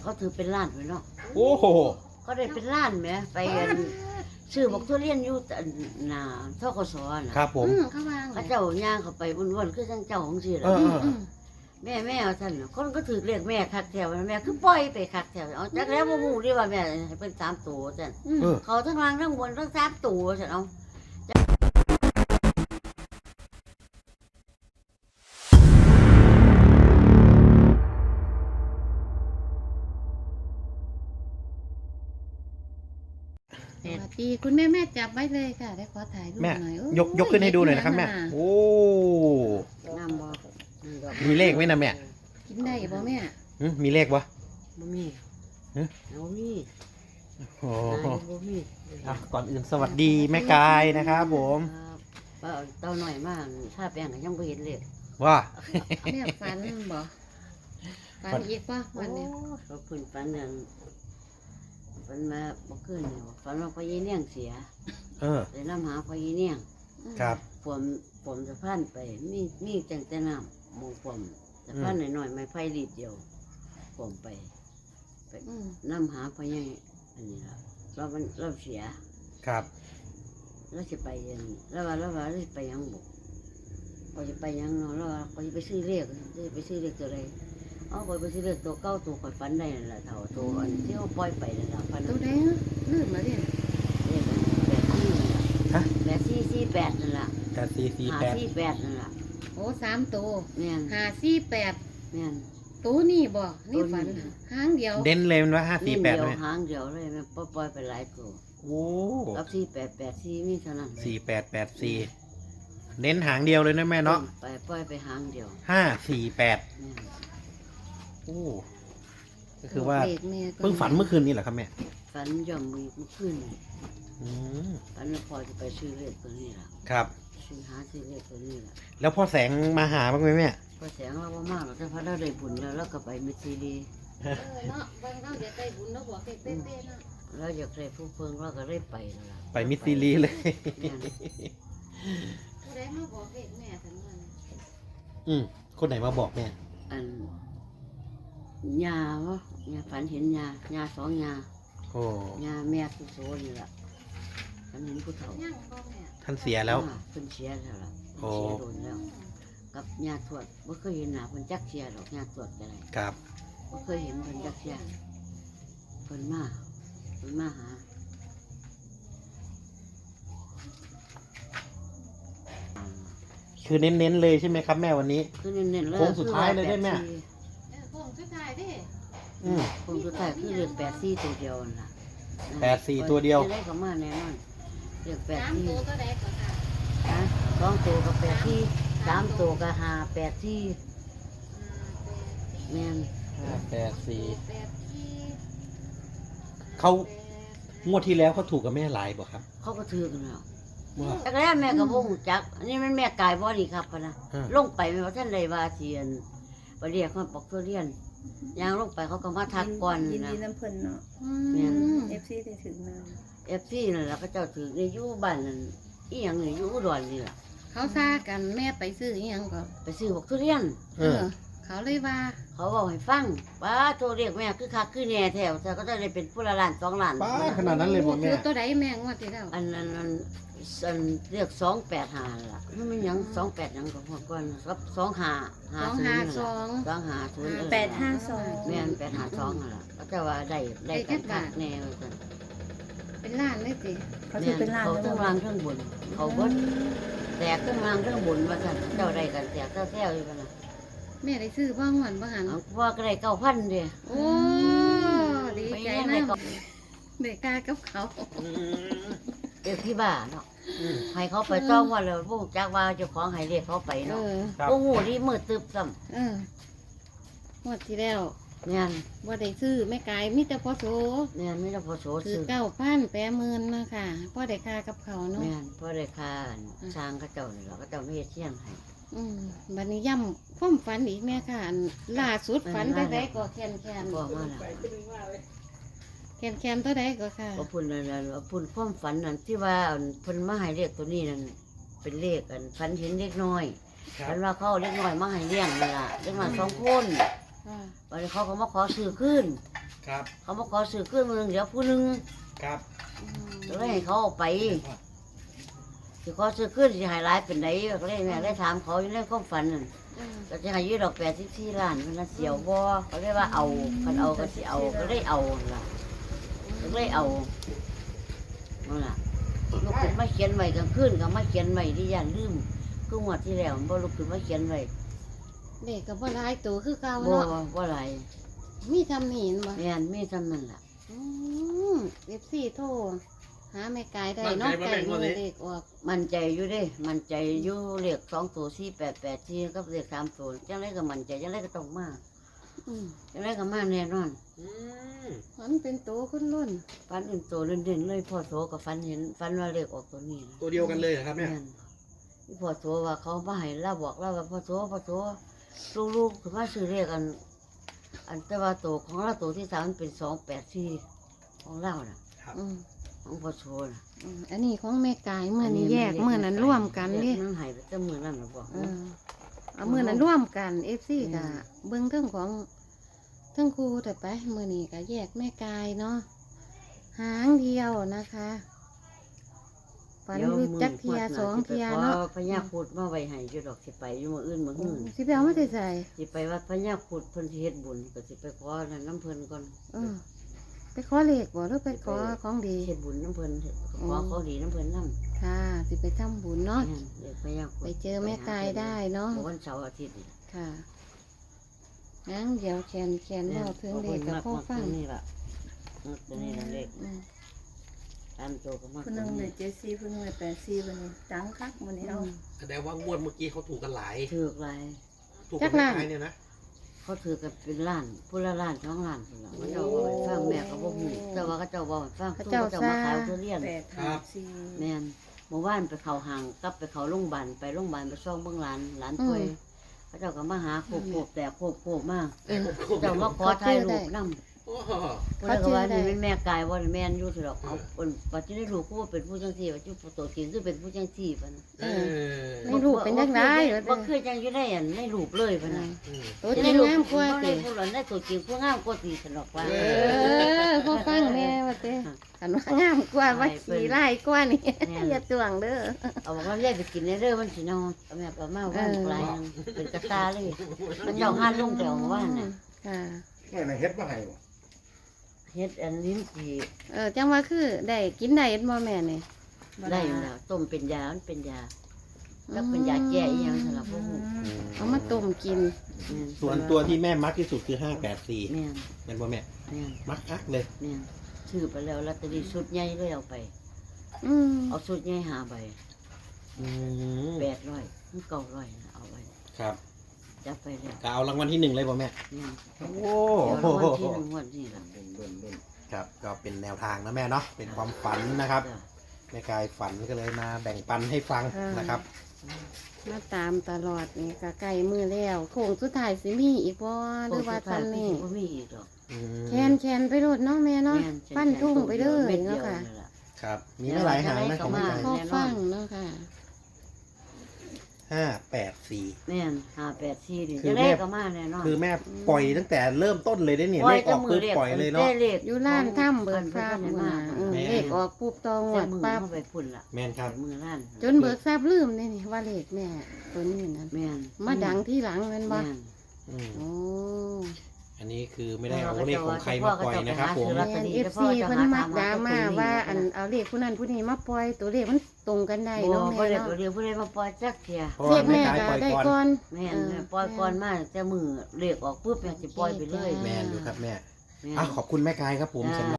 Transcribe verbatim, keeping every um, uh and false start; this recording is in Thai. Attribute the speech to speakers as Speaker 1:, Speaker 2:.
Speaker 1: เขาถือเป็นล้านไปเนาะ
Speaker 2: โอ้โห
Speaker 1: เขาได้เป็นล้านไหมไปซื้อบอกทุเรียนอยู่หน้าทกศนะครับ
Speaker 2: ผม
Speaker 3: เขาวาง
Speaker 1: เขาเจ้าย่างเขาไปวนๆคือจังเจ้าของสิ
Speaker 2: เอ
Speaker 1: ล่ะ
Speaker 2: อ
Speaker 1: แม่แม่เอาท่านคนก็ถือเรียกแม่คักแถวแม่คือปล่อยไปคักแถวเอาจักแล้วบ่ฮู้ดิว่าแม่ให้เป็นสามตัวซั่น
Speaker 2: เออ
Speaker 1: เขาทั้งล่างทั้งบนทั้งสามตัวซั่นเอา
Speaker 3: สวัสดีคุณแม่แม่จับไว้เลยค่ะได้ขอถ่ายรูป
Speaker 2: แม่
Speaker 3: หน่อยโอ้
Speaker 2: ยกยกขึ้นให้ดูหน่อยนะครับแม่โอ้
Speaker 1: น้ำบ่
Speaker 2: มีเลขไหมนะแม่
Speaker 3: กินได้บ่แม่
Speaker 2: หึมีเลขวะ
Speaker 1: บ่มี
Speaker 2: ฮะ
Speaker 1: บ่มี
Speaker 2: โอ้
Speaker 1: นายบ่มี
Speaker 2: อ่ะก่อนอื่นสวัสดีแม่กายนะครับผม
Speaker 1: ครับเป้าเต้าหน่อยมากถ้าแป้งก็ยังบ่เห็นเลย
Speaker 2: ว่า
Speaker 3: แม่ฝันบ่ฝันอีกป่ะวันนี้
Speaker 1: เขาเพิ่นฝันนั่นฝันมาบ่คืนนี่ฝันว่าพ่อยีเนียงเสีย
Speaker 2: เออ
Speaker 1: ได้นำหาพ่อยีเนียง
Speaker 2: ครับ
Speaker 1: ผมผมสะพานไปมีมีจังแต่น้ำหมู่ผมสะพานหน่อยๆไม้ไผ่รีดเดียวผมไปไป
Speaker 3: อืม
Speaker 1: นำหาพ่อยังอันนี้ละเรามันเราเสีย
Speaker 2: ครับ
Speaker 1: เราจะไปยังแล้วว่าแล้วว่าเราจะไปยังบุกเราจะไปยังเนาะแล้วว่าเราจะไปซื้อเลขจะไปซื้อเลขตัวอะไรเอาไปซื้อเลขตัวเก้าตัวข่อยฝันได้นั่นแหละเท่าตัวอันที่เขาปล่อยไปนั่นแหละฝัน
Speaker 3: ตัวแดงลื่นมาเนี่ย
Speaker 1: เลขแปดสี่
Speaker 2: ฮะ
Speaker 1: แปดสี่สี่แปดนั่นแหละ
Speaker 2: แปดสี่สี่
Speaker 1: หา
Speaker 2: แปด
Speaker 1: สี่แปดนั่นแหละ
Speaker 3: โอ้สามตัว
Speaker 1: แม่น
Speaker 3: ห้าสี่แปด
Speaker 1: แม่น
Speaker 3: ตัวนี่บ่นี่
Speaker 1: ตัวนี้
Speaker 3: ฝันหางเดียว
Speaker 2: เด่นเลยมันว่าห้าสี่แปด
Speaker 1: เดียว
Speaker 2: ไหม
Speaker 1: หางเดียวเลยแม่ปล่อยไปหลายตัว
Speaker 2: โอ้
Speaker 1: กับสี่แปดแปดสี่มีเท่านั้น
Speaker 2: สี่แปดแปดสี่เน้นหางเดียวเลยนะแม่เนาะ
Speaker 1: ไปปล่อยไปหางเดียว
Speaker 2: ห้าสี่แปด
Speaker 1: แม่น
Speaker 2: โอ้ก็คือว่า
Speaker 3: เลขแม่ก็
Speaker 2: เพิ่งฝันเมื่อคืนนี้เหรอครับแม่
Speaker 1: ฝันย่อมมือเมื่อคืนนี่
Speaker 2: อืม
Speaker 1: ฝันว่าพอจะไปซื้อเลขตัวนี้ล่ะ
Speaker 2: ครับ
Speaker 1: ซื้อหาซื้อเลขตัวนี้ล่ะ
Speaker 2: แล้วพ่อแสงมาหาบ้างไหมแม่
Speaker 1: พอแสงเราบ่มากเราจะพอเราได้บุญแล้วเราก็ไปมิตรซีดี
Speaker 3: เออเนาะบางเราจะได้บุญเนาะบอกเป๊ะๆเนาะ
Speaker 1: เราอยากได้ผู้เพิ่งเราก็ได้ไปแล้วล่ะ
Speaker 2: ไปมิสซีรีเลย
Speaker 1: แม่น
Speaker 3: ผู้ใดมาบอกเลขแม่ทั้งนั้น
Speaker 2: อืมคนไหนมาบอกแม่
Speaker 1: อันยาวะยาฝันเห็นยายาสองยา
Speaker 2: โอ้
Speaker 1: ยาแม่ผู้โซนี่ล่ะฝันเห็นผู้เฒ่า
Speaker 3: ย่างบ่แม่
Speaker 2: ท่านเสียแล้ว
Speaker 1: อ่าเพิ่นเสียแล้วล่ะ
Speaker 2: โอ้
Speaker 1: เสียโดนแล้ว กับญาติทวดบ่เคยเห็นหน้าเพิ่นจักเสียดอกญาติทวดก็ได้
Speaker 2: ครับ
Speaker 1: บ่เคยเห็นเพิ่นจักเสียเพิ่นมาเพิ่นมาหา
Speaker 2: คือเน้นๆเลยใช่ไหมครับแม่วันนี้
Speaker 1: คือเน้นๆเลย
Speaker 2: โค้งสุดท้ายเลยได้ไหม
Speaker 1: คือว่า
Speaker 3: เออพ่อสุดท้ายเด้
Speaker 2: อืม
Speaker 1: แปดสี่โค้งสุดท้ายคือเรียกแปดสี่ตัวเดียวนั่นล่ะ
Speaker 2: แปดสี่ตัวเดียว
Speaker 1: จะได้ก็มาแน่นอนเรียกแปด
Speaker 3: สาม
Speaker 1: สี่
Speaker 3: ตัวก็ได้ก็ค่ะ
Speaker 1: นะสองตัวก็แปดสี่สามตัวก็ห้าแปดสี่แม่น
Speaker 2: ห้าแปดสี่
Speaker 3: แปดสี่
Speaker 2: เขางวดที่แล้วเขาถูกกับแม่หลายบ่ครับ
Speaker 1: เขาก็ถือกันแล้ว
Speaker 2: ว่า
Speaker 1: แต่ก็แล้วแม่ก็บ่ฮู้จักอันนี้มันแม่กายบ่นี่ครับพะนะ
Speaker 2: อ่า
Speaker 1: ลงไปแม่ว่าท่านใดว่าเสียนไปเรียกเขาปอกทุเรียนยางลงไปเขาก็มาทักก่อน
Speaker 4: ยิน
Speaker 1: นะ
Speaker 4: ดีน้ำเพิ่นเนาะ
Speaker 1: แม่น
Speaker 4: เอฟซีได้ถึงมา
Speaker 1: เอฟซีนั่นล่ะก็เจ้าถือในอยู่บ้านนั่นอีหยังนี่อยู่อุดรนี่ล่ะ
Speaker 3: เขาซากันแม่ไปซื้ออีหยังก็
Speaker 1: ไปซื้อบอกทุเรียน
Speaker 2: เออ
Speaker 3: เขาเลยว่า
Speaker 1: เขาบอกให้ฟังว่าโทรเรียกแม่คือคักคือแหน่แถวแต่ก็จะได้เป็นผู้ละล้านสองล้าน
Speaker 2: ป้าขนาดนั้นเลยบ่แม่
Speaker 3: คือตัวใดแม่งวดที่แล้ว
Speaker 1: อันนั้นอันอันเรียกสองแปดห้าล่ะมันไม่หยังสองแปดหยังก็พอก่อนครับสองห้าห้า
Speaker 3: สอง
Speaker 1: ศูน
Speaker 3: ห้า
Speaker 1: ย์
Speaker 3: สอง
Speaker 1: สองห้าศูนย์เออ
Speaker 4: แปดห้าสอง
Speaker 1: แม่นแปดห้าสองนั่นล่ะก็จะว่าได้ได้กันคักแน่ว่าซั่น
Speaker 3: เป็นล้านเลยสิ
Speaker 4: เขาถือเป็นล้าน
Speaker 1: เขา
Speaker 4: แล้ว
Speaker 1: ทั้ง
Speaker 4: บ่
Speaker 1: ล่างทั้งบนเขาเบิดแตกทั้งล่างทั้งบนว่าซั่นเจ้าได้กันแตกเจ้าแท้อยู่กันนะ
Speaker 3: แม่ได้ซื้อบ้างวันบ้างหัน
Speaker 1: เอาว่าก็ได้เก้าพันเด้
Speaker 3: โอ้ดีใจนะเด็กกากับเขา
Speaker 1: เด็กที่บ้านเนาะให้เขาไปต้องว่าเลยพวกจักว่าเจ้าของให้เรียกเขาไป
Speaker 3: เอ
Speaker 1: เนาะ
Speaker 3: อ
Speaker 2: ครับ
Speaker 1: โอ้โหนี่มืดตึบซ้
Speaker 3: เออหมดที่แล้ว
Speaker 1: ำเนี่ย
Speaker 3: ว่าได้ซื้อแม่กายมิแต่พอโซ
Speaker 1: เนี่ยไม่ได้พอโส
Speaker 3: ถือ
Speaker 1: ซื้อ
Speaker 3: เก้าพันแปดหมื่นนะค่ะพ่อได้ค่ากับเขาเนาะ
Speaker 1: เนี่ยพอได้ค่าช้างเขาเจ้านี่หรอเขาเจ้าไม่เฮ็ดเที่ยงให้
Speaker 3: อืมบัดนี้ย่ำความฝันอีกแม่ค่ะอันล่าสุดฝันได้ได้ก็แคนแคน
Speaker 1: บอกมาแล้ว
Speaker 3: แคนแคนตัวใดก็ค่ะ
Speaker 1: ว่าพุ่นนั่นน่ะว่าพุ่นความฝันนั่นที่ว่าอันเพิ่นมาให้เรียกตัวนี้นั่นเป็นเลขอันฝันเห็นเล็กน้อย
Speaker 2: ครั
Speaker 1: ฝั
Speaker 2: บ
Speaker 1: นว่าเขาเอาเล็กน้อยมาให้เลี้ยงนี่ล่ะเล็กน้อยสองคน
Speaker 3: ค่ะ
Speaker 1: วันนี้เขาก็มาขอซื้อขึ้น
Speaker 2: ครับ
Speaker 1: เขามาขอซื้อขึ้นมือหนึ่งเดี๋ยวผู้หนึง
Speaker 2: ครับ
Speaker 3: อืม
Speaker 1: ก็เลยให้เขาเอาไปสิขอซื้อขึ้นสิใหายร้ายเป็นไหนก็เลยแม่เลยถามเขาอยู่ในความฝันนั่น
Speaker 3: อืม
Speaker 1: ก็จะให้ยืดดอกแปดสิบสี่ล้านมันน่ะเสียวบ่เขาเรียกว่าเอาคันเอาก็สิเอาก็เลยเอาล่ะก็เลยเอานั่นล่ะลูกขึ้นมาเขียนไว้กลางคืนก็มาเขียนไว้ที่ย่านลืมคืองวดที่แล้วบ่ลูกขึ้นมาเขียนไว้
Speaker 3: เด็กก็บ่หลายตัวคือเก่า
Speaker 1: บ่
Speaker 3: เนาะ
Speaker 1: บ่หลาย
Speaker 3: มีทำหนีนบ่
Speaker 1: แม่นมีจำนั่นล่ะ
Speaker 3: อืมเอฟซีโทรหาแม่กายได้เนาะไก่มือเด็กออก
Speaker 1: มั่นใจอยู่เด้มั่นใจอยู่เลขสองตัวสี่แปดแปดสี่กับเลขสามตัวจังไรก็มั่นใจจังไรก็ต้องมา
Speaker 3: อืม
Speaker 1: จังไรก็มาแน่นอน
Speaker 2: อืม
Speaker 3: มันเป็นตัวคนรุ่น
Speaker 1: ฟันอื่นตัวเด่นๆเลยพ่อโสกับฟันเห็นฟันว่าเลขออกตัวนี้นะ
Speaker 2: ตัวเดียวกันเลยเหรอครับแม่
Speaker 1: แม่นที่พ่อโสว่าเขามาให้เราบอกเราว่าพ่อโสพ่อโสลูกๆคือมาซื้อเลขกัน อันแต่ว่าตัวของเราตัวที่สามมันเป็นสองแปดสี่ของเราน่ะ
Speaker 2: ครับ
Speaker 3: อืม
Speaker 1: ของพ่อโสน่ะ
Speaker 3: อืมอันนี้ของแม่กายเมื่อนี้แยกเมื่อนั้นร่วมกัน
Speaker 1: เล
Speaker 3: เดิ
Speaker 1: ขมันใหายไปแต่มือนั่นหรอบอก
Speaker 3: เออเอาเมื่อนั้นร่วมกันเอฟซีกะเบิ้งเรื่องของเรื่องครูแต่ไปเมื่อนี้ก็แยกแม่กายเนาะหางเดียวนะคะฝันรู้จักเทียสองเทียเนาะ
Speaker 1: พญาพูดมาไว้ให้อยู่ดอกสิไปอยู่มื้ออื่นมื้อ
Speaker 3: อื
Speaker 1: อื่
Speaker 3: ม
Speaker 1: น
Speaker 3: สิไปเอาไม่ได้ใส่
Speaker 1: สิไปวัดพญาพูดเพิ่นสิเฮ็ดบุญก็สิไปขอนั่นน้ำเพิ่นก่อน
Speaker 3: เออไปขอเลขบ่หรือไปขอของดี
Speaker 1: เฮ็ดบุญน้ำเพิ่นขอเขาดีน้ำเพิ่นนำ
Speaker 3: ค่ะสิไปทำบุญเนาะ
Speaker 1: เด็กพญาพูด
Speaker 3: ไปเจอแม่กายได้เนาะ
Speaker 1: วันเสาร์อาทิตย์นี่
Speaker 3: ค่ะงั้นเดี๋ยวแขนแขนเล่าถึงเด็กกับพ่อฟัง
Speaker 1: นี่ล่ะตัวนี้ล่ะเลข
Speaker 3: อืม
Speaker 1: ตามโตก็มา
Speaker 4: ผู้หนึงเลยเจ็ดสี่ผู้หนึงเลยแปดสี่วันนี้ดังคักวันนี้เอา
Speaker 2: แสดงว่างวดเมื่อกี้เขาถูกกันหลาย
Speaker 1: ถือกหลาย
Speaker 2: ถูกกันหลายเนี่ยนะ
Speaker 1: เขาถือกันเป็นล้านผู้ละล้านสองล้านพุ่นล่ะเขาเจ้าบ่ให้ฟังแม่ก็บ่ฮู้แต่ว่าเขาเจ้าบ่ให้ฟังเขาเจ้ามาขายทุเรียน
Speaker 4: แปดห้าสี่
Speaker 1: แม่นเมื่อวานไปเข้าห้างกลับไปเข้าโรงพยาบาลไปโรงพยาบาลไปซ่องเบิ่งหลานหลานป่วยเขาเจ้าก็มาหาโคบโคบแต่โคบโคบมา
Speaker 3: เออ
Speaker 1: เจ้ามาขอถ่ายรูปนำ
Speaker 2: โอ้โห
Speaker 1: เพิ่นก็ว่านี่เป็นแม่กายบ่ได้แม่นอยู่ซื่อดอกเอาเพิ่นปัจจุบันลูกกูว่าเป็นผู้จังซี่ว่าจุตัวจริงคือเป็นผู้จังซี่ปะนะ
Speaker 2: เออ
Speaker 3: ในรูปเป็นจังได๋
Speaker 1: บ่เคยจังอยู่ได้อันในรูปเลยปะนะ
Speaker 2: อืม
Speaker 3: ตัวจริงงามกว่า
Speaker 1: ติ
Speaker 3: ติ
Speaker 1: ผู้หลานได้ตัวจริงผู้งามกว่าติสนอกว่า
Speaker 3: เออพ่อฟังแม่ว่าติคันว่างามกว่าว่าสีไล่กว่านี่อย่าตวงเด้อ
Speaker 1: เอาบอกว่าแยกไปกินในเด้อมันสิเนาะเอาแม่เอามาว่านปลายนึงเป็นกระตาเลยมันเจ้าห้านลงแต่ของว่านน่ะ
Speaker 3: ค่ะ
Speaker 5: แค่ไหนเฮ็ดมาให้บ่
Speaker 1: เฮ็ดอันลิ้นจี่
Speaker 3: เออจังว่าคือได้กินได้บ่แม่นี่
Speaker 1: ได้อยู่แล้วต้มเป็นยามันเป็นยาแล้วเป็นยาแก้อีหยังสำหรับพวกหนู
Speaker 3: เอามาต้มกิน
Speaker 1: แม่น
Speaker 2: ส่วนตัวที่แม่มักที่สุดคือห้าแปดสี่
Speaker 1: แม่น
Speaker 2: เป็นว่าแม่
Speaker 1: แม่น
Speaker 2: มักอักเลย
Speaker 1: แม่นซื้อไปแล้วลอตเตอรี่ชุดใหญ่เลยเอาไป
Speaker 3: อืม
Speaker 1: เอาชุดใหญ่หาใบ
Speaker 2: อืม
Speaker 1: แปดร้อยมันเก้าร้อยนะเอาไว้
Speaker 2: ครับ
Speaker 1: จับไปแล้ว
Speaker 2: ก็เอารางวัลที่หนึ่งเลยป่ะแม่
Speaker 1: เนี่ย
Speaker 2: โอ้
Speaker 1: เดี๋ยวรางวัลที่หนึ่งงวันนี้ล่ะ
Speaker 5: เบิ่นเบิ่นเบิ่น
Speaker 2: ครับ ก็เป็นแนวทางนะแม่เนาะ เป็นความฝันนะครับ
Speaker 1: จ้ะ
Speaker 2: แม่กายฝันก็เลยมาแบ่งปันให้ฟังนะครับ
Speaker 3: มาตามตลอดนี่ก็ใกล้มือแล้วโค้งสุดท้ายสิมีอีกบ่หรือว่าทำนี่
Speaker 1: บ่มีอีกหรอก
Speaker 2: อืม
Speaker 3: แคนแคนไปโลดเนาะแม่เนาะ
Speaker 1: แม่ฉั
Speaker 3: ปั้นทุ่งไปเลย
Speaker 1: ม็ดดี
Speaker 3: เนาะ
Speaker 1: ว
Speaker 3: ค่ะ
Speaker 1: นั่นล่
Speaker 2: ครับ มีไม่หลายหางนะของแม่กาย
Speaker 3: พ่อฟังเนาะค่ะ
Speaker 2: ห้าแปดสี่
Speaker 1: แม่นห้าแปดสี่นี่
Speaker 2: คื
Speaker 1: จะ
Speaker 2: อ
Speaker 1: ได้
Speaker 2: แม่
Speaker 1: ก็มาแน่นอน
Speaker 2: คือแม่ปล่อยตั้งแต่เริ่มต้นเลยได้เนี่ยเลขออกปุ๊บปล่อยเลยเนาะ
Speaker 1: เลข
Speaker 3: อยู่ร้านถ้ำเบิกทราบ
Speaker 1: เพิ่น
Speaker 3: มา
Speaker 1: เพิ่น
Speaker 3: เออ
Speaker 2: แม่
Speaker 3: เลขออกปุ๊บตองหว
Speaker 1: แต่
Speaker 3: ด
Speaker 1: มือ
Speaker 3: ปั๊บ
Speaker 1: เข้าไปพุ่นล่ะ
Speaker 2: แม่นครับ
Speaker 1: มือร้าน
Speaker 3: จนเบิกทราบลืมเลยนี่ว่าเลขแม่ตัวนี้นั่น
Speaker 1: แม่น
Speaker 3: มาดังที่หลังแมันบ่
Speaker 1: แม่น
Speaker 2: อืม
Speaker 3: โอ้
Speaker 2: อันนี้คือไม่ได้เอาเลขของใครมาปล่อยนะครับผม
Speaker 3: แม่น เอฟ ซีเพิ่นมักดราม่าว่าอันเอาเลขผู้นั้นผู้นี้มาปล่อยตัวเลขมันตรงกันได้
Speaker 1: บ่
Speaker 3: เนาะ
Speaker 1: บ่
Speaker 3: แม่
Speaker 1: ได้
Speaker 3: เนาะ
Speaker 1: เดี๋ยวผู้ใดมาปล่อยจักเที่ย
Speaker 2: เพราะ
Speaker 3: เล
Speaker 2: ว่า
Speaker 3: ข
Speaker 2: แม่
Speaker 3: แม่
Speaker 2: กาย
Speaker 3: ก็
Speaker 2: ปล่อย
Speaker 3: ได้
Speaker 2: ก่อน
Speaker 3: ก่อน
Speaker 1: แม่น
Speaker 3: เออ
Speaker 1: ปล่อยก่อนมาแต่มือเลขออกปุ๊บแม่สิปล่อยไปเลย
Speaker 2: แม่นอยู่ครับแม่
Speaker 1: แม่น
Speaker 2: อ่ะขอบคุณแม่กายครับผม
Speaker 1: จ้า
Speaker 2: สำหรับ